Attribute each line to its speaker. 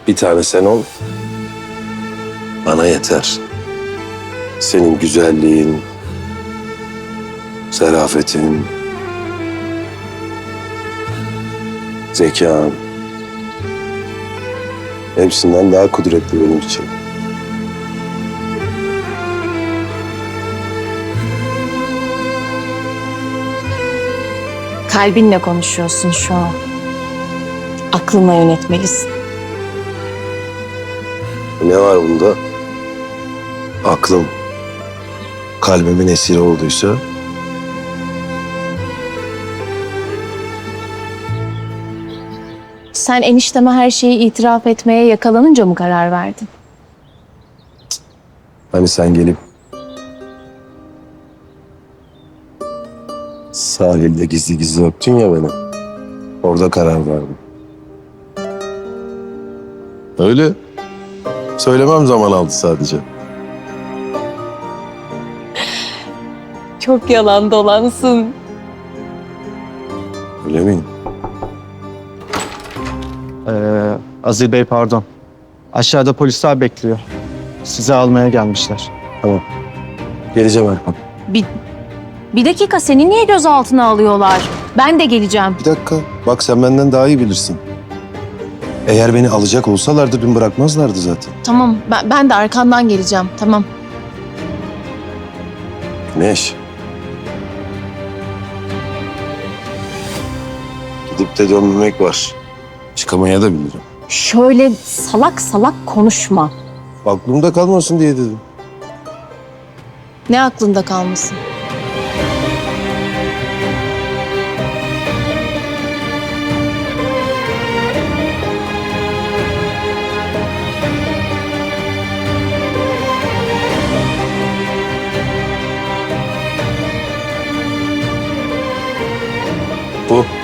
Speaker 1: Bir tane sen ol. Bana yeter. Senin güzelliğin, zarafetin, zekan hepsinden daha kudretli benim için.
Speaker 2: Kalbinle konuşuyorsun şu an. Aklınla yönetmelisin.
Speaker 1: Ne var bunda? Aklım kalbimin esiri olduysa
Speaker 2: Sen enişteme her şeyi itiraf etmeye yakalanınca mı karar verdin?
Speaker 1: hani sen gelip sahilde gizli gizli öptün ya beni. Orada karar verdim. Öyle. Söylemem zaman aldı sadece.
Speaker 2: Çok yalan dolansın.
Speaker 1: Öyle miyim?
Speaker 3: Azil Bey pardon. Aşağıda polisler bekliyor. Sizi almaya gelmişler.
Speaker 1: Tamam. Geleceğim Erkan.
Speaker 2: Bir dakika, seni niye gözaltına alıyorlar? Ben de geleceğim.
Speaker 1: Bir dakika. Bak sen benden daha iyi bilirsin. Eğer beni alacak olsalardı dün bırakmazlardı zaten.
Speaker 2: Tamam, ben de arkandan geleceğim. Tamam.
Speaker 1: Güneş. Gidip de dönmemek var. Çıkamaya da bilirim.
Speaker 2: Şöyle salak salak konuşma.
Speaker 1: Aklımda kalmasın diye dedim.
Speaker 2: Ne aklında kalmasın?
Speaker 1: Bu.